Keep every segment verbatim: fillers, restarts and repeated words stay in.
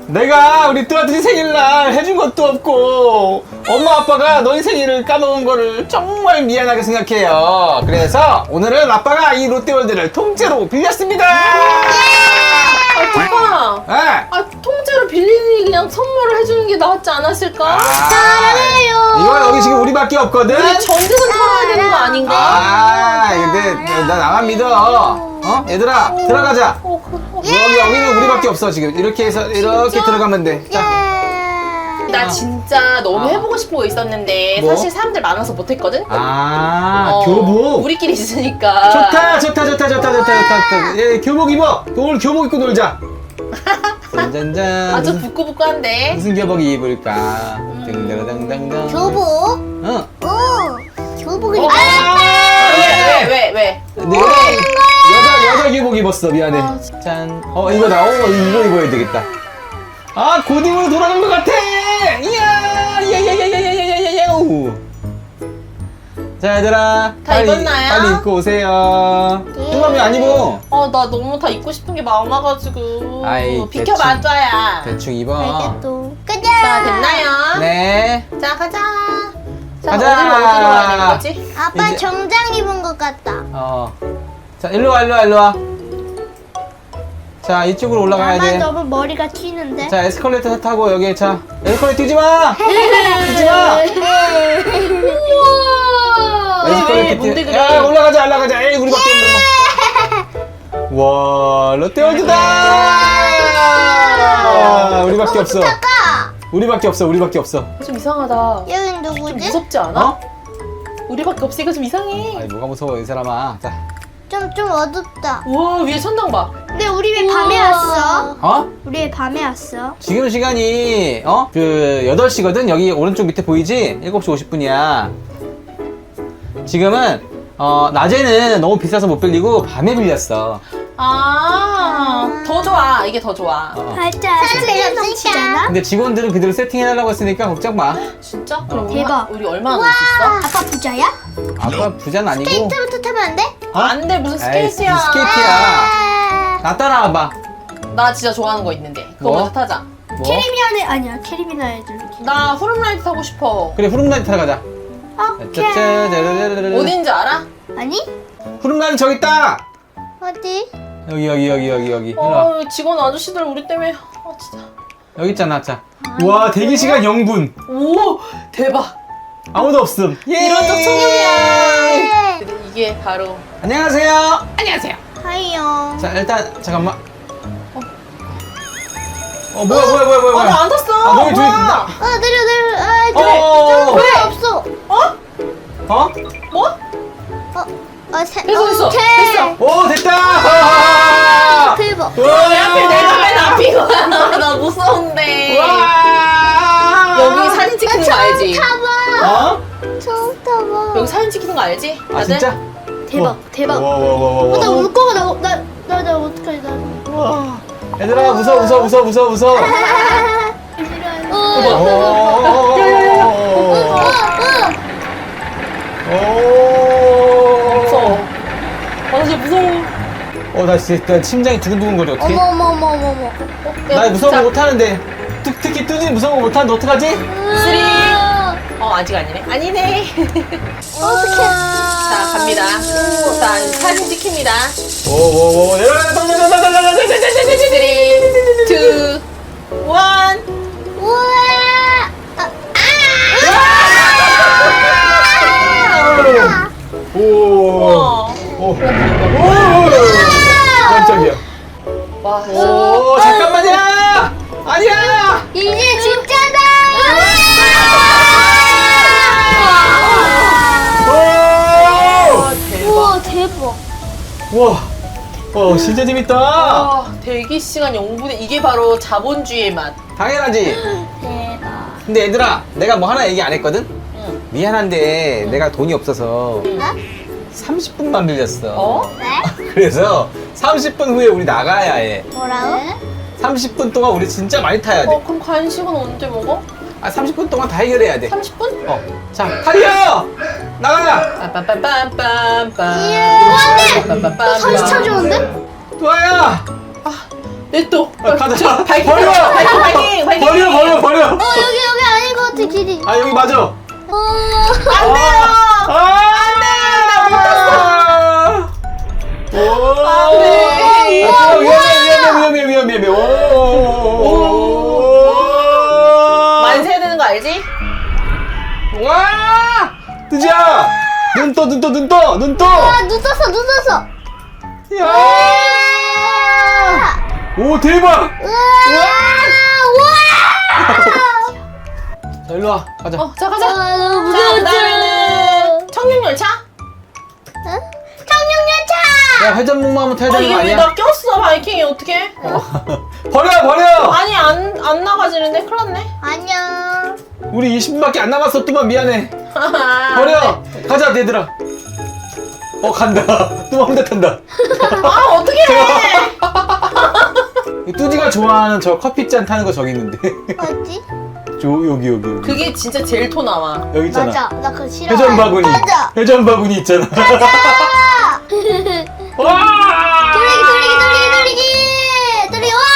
내가 우리 뚜아뚜지 생일날 해준 것도 없고 엄마 아빠가 너희 생일을 까먹은 거를 정말 미안하게 생각해요. 그래서 오늘은 아빠가 이 롯데월드를 통째로 빌렸습니다. 아, 오빠. 네. 아, 통째로 빌리니 그냥 선물을 해주는 게 낫지 않았을까? 아, 이거 여기 지금 우리밖에 없거든. 우리 전재산 털어야 되는 거 아닌가? 아, 근데 나 나만 믿어. 어, 얘들아 들어가자. 어, 그, 어. 여기 여기는 우리밖에 없어 지금. 이렇게 해서 이렇게 진짜? 들어가면 돼. 자, 나 진짜 너무 아. 해보고 싶은 거 있었는데 뭐? 사실 사람들 많아서 못했거든? 아, 어, 교복. 우리끼리 있으니까. 좋다, 좋다, 좋다, 좋다, 좋다, 좋다. 예, 교복 입어. 오늘 교복 입고 놀자. 짠짠짠. 아주 부끄부끄한데. 무슨 교복 입을까? 등등등등등. 교복? 응. 오, 교복을 어? 입어. 왜, 왜, 왜, 왜? 내가 여자 여자 교복 입었어. 미안해. 아, 짠. 어 이거다. 어 이거 입어야 되겠다. 아 고딩으로 돌아간 것 같아. 이야, 야야야야야야야야. 자 얘들아, 다 빨리 입었나요? 빨리 입고 오세요. 뚜맘이 안 입어. 아, 나 너무 다 입고 싶은 게 많아가지고. 아이, 비켜봐, 줘야. 대충 입어. 알겠어. 가자. 자, 됐나요? 네. 자, 가자. 자, 가자. 어디로 어디로 가야 되는 거지? 아빠 이제- 정장 입은 것 같다. 어. 자 일로 와 일로 와 일로 와. 자 이쪽으로 올라가야 나만 돼. 너무 머리가 튀는데. 자 에스컬레이터 타고 여기 자 에스컬레이터 뛰지 마. 뛰지 마. 우와. 왜, 왜, 뭔데 그래? 야 올라가자 올라가자. 에이 우리밖에 없는 거. 와 롯데월드다. 와, 우리밖에 없어. 잠깐. 우리밖에 없어. 우리밖에 없어. 좀 이상하다. 여긴 좀 누구지? 무섭지 않아? 어? 우리밖에 없으니까 좀 이상해. 아니 뭐가 무서워 이 사람아. 자. 좀 좀 어둡다. 우와, 위에 천장 봐. 근데 우리 왜 밤에 왔어? 어? 우리 왜 밤에 왔어? 지금 시간이 어? 그 여덟 시거든. 여기 오른쪽 밑에 보이지? 일곱 시 오십 분이야. 지금은 어 낮에는 너무 비싸서 못 빌리고 밤에 빌렸어. 아, 더 좋아. 이게 더 좋아. 어. 발자 사진 넘치잖아. 근데 직원들은 그대로 세팅해달라고 했으니까 걱정 마. 진짜? 그럼 대박. 우리 얼마나 놀 수 있어? 아빠 부자야? 아빠 부자는 아니고. 스케이트부터 타면 안 돼? 어? 안 돼, 무슨 에이, 스케이트야. 무슨 스케이트야. 아, 나 따라와봐. 나 진짜 좋아하는 거 있는데. 그거 뭐? 먼저 타자. 뭐? 캐리비안에 아니야 캐리비안 애들. 나 후룸라이드 타고 싶어. 그래 후룸라이드 타러 가자. 오케이. 짜짜자르르르르. 어딘지 알아? 아니? 후룸라이드 저기 있다. 어디? 여기 여기 여기 여기 여기. 일로 와. 어, 직원 아저씨들 우리 때문에. 아, 진짜. 여기 있잖아. 자. 와 대기 시간 영 분. 오, 대박. 아무도 없음. 예. 이런 저 청년이야. 네. 이게 바로. 안녕하세요. 안녕하세요. 하이요. 자 일단 잠깐만. 어 뭐야 뭐야 뭐야 뭐야. 아, 나 안 탔어. 아, 너희 둘이 뭐야? 나- 아 내려 내려. 아 어, 어, 어. 왜 없어? 어? 어? 뭐? 어? 아 세. 됐어, 됐어. 오케이. 됐어. 오 됐다. 와. 대박. 왜 하필 내가 맨 앞이고 나 무서운데. 와. 여기 사진 찍히는 거 알지? 타봐. 어? 처음 타봐. 여기 사진 찍히는 거 알지? 아 다들? 진짜? 대박 대박. 와와와와. 어, 나 울 거가 나나나 어떡하지 나. 와. 얘들아 무서워 무서워 무서워 무서워 무서워. 어. 오. 무서워. 아, 나 진짜 무서워. 어, 나 진짜 나 심장이 두근두근거려. 어떡해? 어머 어머 어머 어머 어머. 어, 나 야, 무서운 진짜. 거 못하는데. 특, 특히 뚜지 무서운 거 못하는데 어떡하지? 쓰리. 어, 아직 아니네. 아니네. 어떡해. 자, 갑니다. 자, 사진 찍힙니다. 오오오 내려가 쓰리, 투, 원. 우와. 아. 오. 어. 오. 오. 깜짝이야. 와, 오 잠깐만요. 아니야. 이제 진짜다. 와, 대박. 우와 대박. 와. 와 진짜 재밌다. 아, 대기 시간 영 분의 이게 바로 자본주의의 맛. 당연하지. 대박. 근데 얘들아 내가 뭐 하나 얘기 안 했거든. 응. 미안한데 내가 돈이 없어서 응. 삼십 분만 빌렸어. 어? 네? 그래서 삼십 분 후에 우리 나가야 해. 뭐라고? 삼십 분 동안 우리 진짜 많이 타야 돼. 어, 그럼 간식은 언제 먹어? 아 삼십 분 동안 다 해결해야 돼. 삼십 분? 어. 자, 달려! 나가라! 빰빰빰빰빰. 예. 안 돼! 빰빰빰빰. 다시 찾아오는데? 도아야! 아, 내 냅둬. 아, 가자. 저, 발킹, 버려! 발킹, 발킹, 발킹. 버려, 버려, 버려! 어, 여기, 여기 아닌 것 같아, 길이. 아, 여기 맞아. 어. 안 돼요. 아! 안 돼, 나 못 탔어. 오! 안 돼. 아, 위험해, 위험해, 위험해, 위험해, 위험해. 오! 만세 해야 되는 거 알지? 와! 뜨지야! 눈 떠, 눈 떠, 눈 떠, 눈 떠! 아, 눈 떴어, 눈 떴어. 야! 오, 대박! 우와! 자, 일로 와. 가자. 어, 자, 가자. 우와! 아, 너무 자, 무서워. 그다음에는 청룡열차. 응? 청룡열차! 야, 회전목마 한번 타야 아, 되는 이게 거 왜 아니야? 나 꼈어, 바이킹이 어떡해? 버려, 버려! 아니, 안, 안 나가지는데? 큰일 났네. 안녕. 우리 이십 분밖에 안 남았어, 뚜만 미안해. 아, 버려! 가자, 얘들아. 어, 간다. 뚜만 혼자 탄다. 아, 어떡해! 뚜지가 좋아하는 저 커피잔 타는 거 저기 있는데. 어디? 저, 여기, 여기, 여기. 그게 진짜 제일 토 나와. 여기 있잖아. 맞아. 나 그거 싫어. 회전 바구니. 맞아. 회전 바구니 있잖아. 아! 와! 돌리기, 돌리기, 돌리기, 돌리기! 돌리기, 와!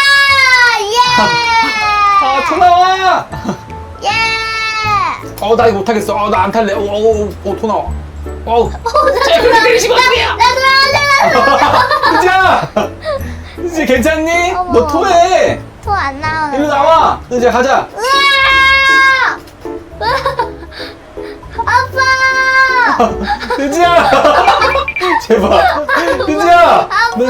예! 아, 토 나와! 예! 어, 나 이거 못하겠어. 어, 나 안 탈래. 오, 오, 오, 오, 토 나와. 어우. 자, 그렇게 내리시면 어떡해요? 나 돌아가자! 뚜지야! 뚜지 괜찮니? 어머. 너 토해! 토안 나오네. 일로 나와! 뚜지야, 가자! 으아! 아빠! 뚜지야! 제발! 뚜지야! 너-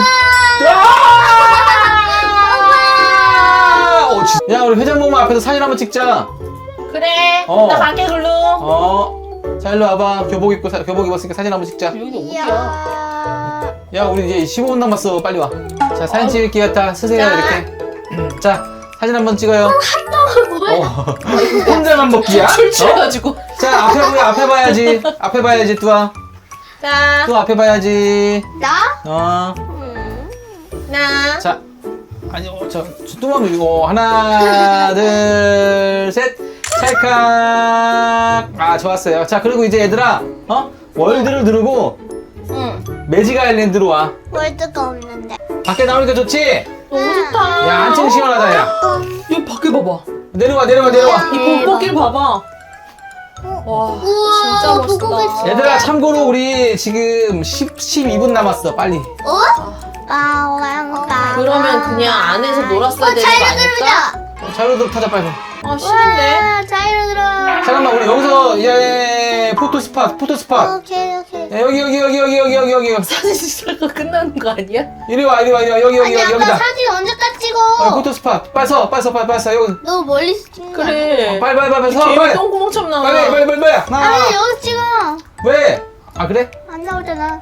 아! 어, 진- 야, 우리 회전목마 앞에서 사진 한번 찍자. 그래. 어. 나 갈게, 글로. 어. 자, 일로 와봐. 교복 입고, 사- 교복 입었으니까 사진 한번 찍자. 여기 어디야? 이야. 야, 우리 이제 십오 분 남았어. 빨리 와. 자, 사진 찍을게요. 다 쓰세요, 자. 이렇게. 자, 사진 한번 찍어요. 뭐야? 어. 혼자만 먹기야? 출 어? 취해가지고. 자, 앞에 보여, 앞에 봐야지. 앞에 봐야지, 뚜아. 자, 뚜아, 앞에 봐야지. 나? 어. 음. 나. 자, 아니, 어, 저, 저 뚜맘 이거 하나, 둘, 셋. 찰칵. 아, 좋았어요. 자, 그리고 이제 얘들아, 어? 월드를 누르고 응. 매직 아일랜드로 와. 월드가 없는데. 밖에 나오니까 좋지? 너무 좋다. 야, 한층 시원하다, 야. 여기 밖에 봐봐. 내려와, 내려와, 내려와. 이 봄꽃길 봐봐. 와, 진짜 우와, 멋있다. 봄꽃길 얘들아, 참고로 우리 지금 십, 십이 분 남았어, 빨리. 어? 까왕까. 그러면 그냥 안에서 놀았어야 어, 되는 거 자이로 아닐까? 들어오자. 자료도 타자, 빨리. 아, 싫은데? 와, 자이로 들어. 잠깐만, 우리 여기서, 예, 포토 스팟, 포토 스팟. 오케이, 오케이. 야, 여기, 여기, 여기, 여기, 여기, 여기, 여기. 사진 찍다가 끝나는 거 아니야? 이리 와, 이리 와, 이리 와. 여기, 여기, 아니, 여기, 아까 여기다. 사진 언제까지 찍어? 어, 포토 스팟. 빨리 서, 빨리 서, 빨리, 빨리 서. 여기. 너무 멀리서 찍는 거 아니야? 그래. 빨리, 빨리, 빨리, 서, 개미 빨리. 똥구멍처럼 나와. 빨리, 빨리, 빨리, 빨리. 하나, 아니, 여기 찍어. 왜? 아, 그래? 안 나오잖아.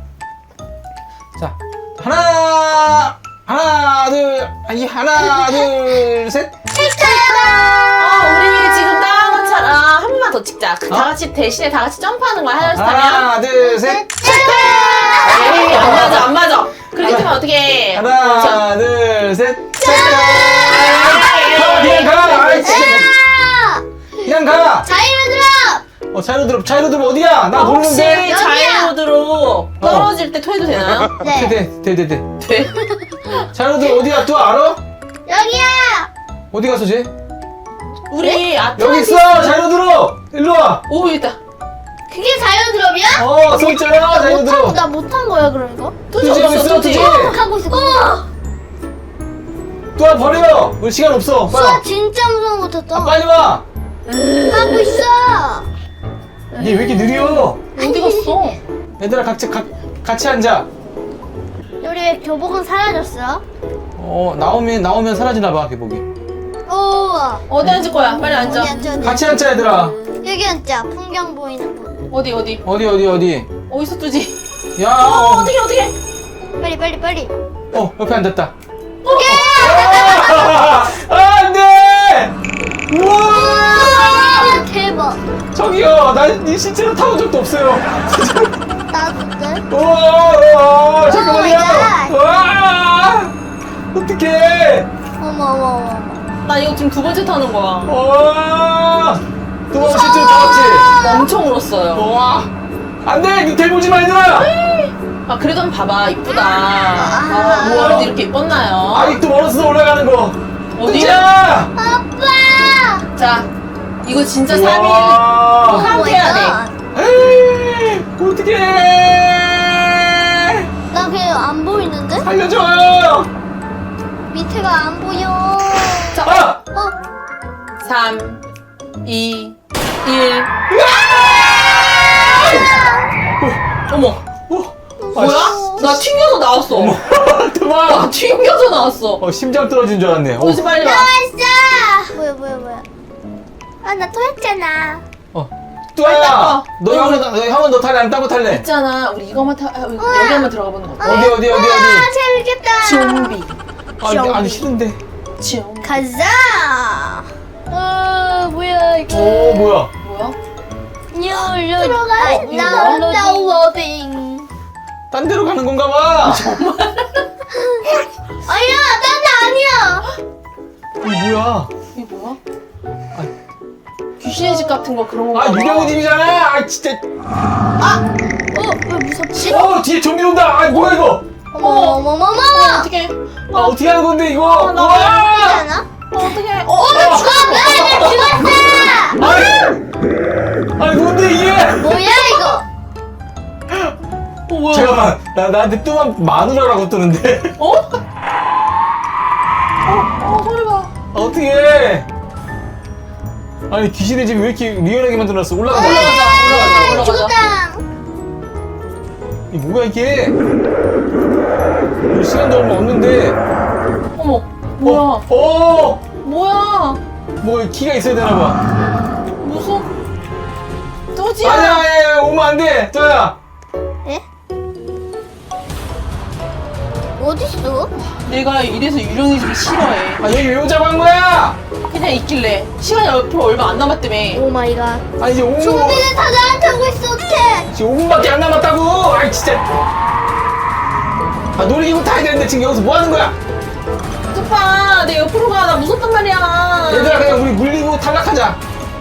자, 하나, 하나, 둘, 아니, 하나, 둘, 셋. 아, 우리 지금 따온 것처럼 한 번만 더 찍자. 그 어? 다 같이 대신에 다 같이 점프하는 거야. 하나씩 타면. 하나, 둘, 셋. 에이, 안 맞아, 안 맞아. 그렇게 되면 어떡해. 하나, 둘, 셋. 에이, 가, 그냥 가. 아이, 진짜. 아! 그냥 가. 자이로 들어! 어, 자이로 들어, 자이로 들어 어디야? 나 혹시 모르는데. 자이로드로 떨어질 때 토해도 되나요? 네. 돼, 돼, 돼, 돼. 돼. 자이로 들어 어디야? 또 알아? 여기야! 어디 갔어, 쟤? 우리 아트 여기 있어. 자이로 들어. 일로 와. 오, 여기 있다. 그게 자이로 드롭이야? 어, 서 있잖아. 자이로 들어. 나 못한 거야, 그럼 이거? 뚜지 뚜지 여기 어딨어, 있어, 뚜지? 뚜지. 하고 있어. 우와! 또 버려. 우리 시간 없어. 수아 빨리. 진짜 무서운 거 탔다. 아, 빨리 와. 하고 있어. 얘 왜 이렇게 느려? 어디 갔어? 얘들아 같이 가, 같이 앉아. 우리 왜 교복은 사라졌어? 어, 나오면 나오면 사라지나 봐, 교복이. 오. 어디 앉을 거야? 빨리 앉아. 여기 앉아, 여기 같이 앉자, 얘들아. 여기 앉자. 풍경 보이는 곳. 어디, 어디? 어디 어디 어디? 어디서 뚜지? 야. 어, 어, 어떻게, 어떻게? 빨리, 빨리, 빨리. 어, 옆에 앉았다. 오케이! 아, 안 돼! 우와! 아, 대박. 저기요, 난이 신체로 타본 적도 없어요. 나도 돼? 우와, 우와, 잠깐만요. 오 마이 갓. 와! 어떡해. 어머, 어머, 어머, 어머. 나 이거 지금 두 번째 타는 거야. 와! 또 신체로 타봤지? 엄청 울었어요. 와! 안 돼! 밑에 보지 마, 얘들아! 아, 그래도 한번 봐봐. 이쁘다. 아, 뭐가 이렇게 이뻤나요? 아직도 멀었어. 이거. 어디? 자. 아빠. 자, 이거 진짜 삼 일 우와. 카운트 해야 돼. 에이, 어떡해. 나 그냥 안 보이는데? 살려줘요. 밑에가 안 보여. 자, 아. 어? 삼, 이, 일. 어머, 어. 뭐야? 나 튕겨서 나왔어. 그만. 나 튕겨서 나왔어. 어, 심장 떨어진 줄 알았네. 어. 오지 빨리 와. 나왔어. 뭐야 뭐야 뭐야. 아 나 또 했잖아. 어. 빨리 뚜아야. 닦아. 너 너 형은 너 형은 너 탈래? 아니면 딴거 탈래? 있잖아, 우리 이거만 타, 아, 여기 한번 들어가 보는 거 어때? 어디 어디 어디 아 어디? 재밌겠다. 좀비. 아니, 아니 싫은데. 좀비. 가자. 어 뭐야 이거. 오 뭐야? 뭐야? 뉴로 들어가. 나 다운로딩. 딴 데로 가는 건가 봐. 아니야 딴데 아니야. 이 뭐야? 이게 뭐야? 귀신의 집 같은 거 그런 거. 아 유령이 집이잖아. 아 진짜. 어왜 무섭지? 어 뒤에 좀비 온다. 아 뭐야 이거? 어머 어머 어머 어머. 어떻게? 아 어떻게 하는 건데 이거? 나 우와! 괜찮아? 어떻게? 어, 어, 나 죽었어. 아니, 아니 뭔데 이게? 뭐야 이거? 어 뭐야? 잠깐만, 나 나한테 뚜만 마누라라고 뜨는데. 어? 어, 어 소리 봐. 어떻게? 아니 귀신의 집이 왜 이렇게 리얼하게 만들어놨어? 올라가자. 올라가자, 올라가자, 올라가자. 죽었다. 이 뭐야 이게? 이 시간도 얼마 없는데. 어머, 뭐야? 어, 어, 뭐야? 뭐 키가 있어야 되나 봐. 무슨? 또지야? 아니야, 아니야, 오면 안 돼, 또야. 에? 어딨어? 내가 이래서 유령의 집을 싫어해. 아 여기 왜 잡은 거야? 그냥 있길래 시간이 앞으로 얼마 안 남았다며. 오 마이 갓. 아 이제 오 분, 좀비는 다 나한테 오고 있어 어떡해? 지금 오 분밖에 안 남았다고. 아이 진짜. 아 놀이기구 타야 되는데 지금 여기서 뭐 하는 거야? 오빠, 내 옆으로 가. 나 무섭단 말이야. 얘들아 그냥 우리 물리고 탈락하자.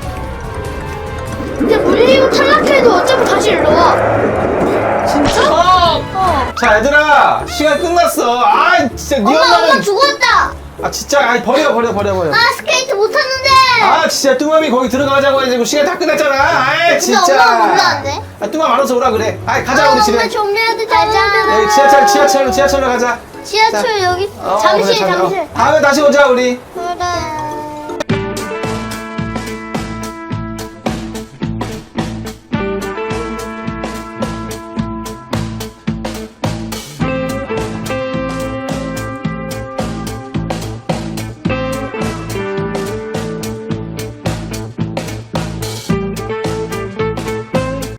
근데 물리고 탈락해도 어차피 다시 일로 와. 진짜? 어. 어. 자 얘들아 시간 끝났어. 아 진짜 네 엄마 엄마 엄마는. 죽었다. 아 진짜 아 버려 버려 버려 버려. 아 스케이트 못하는데. 아 진짜 뚜맘이 거기 들어가자고 해가지고 시간 다 끝났잖아. 아 진짜. 근데 엄마가 몰랐는데. 아 뚜맘 알아서 오라 그래. 아 가자 아, 우리 집에. 엄마 좀비한테 가자. 네, 지하철 지하철로 지하철로 가자. 지하철 여기 어, 잠실 그래, 가자. 잠실. 어, 다음에 다시 오자 우리. 응.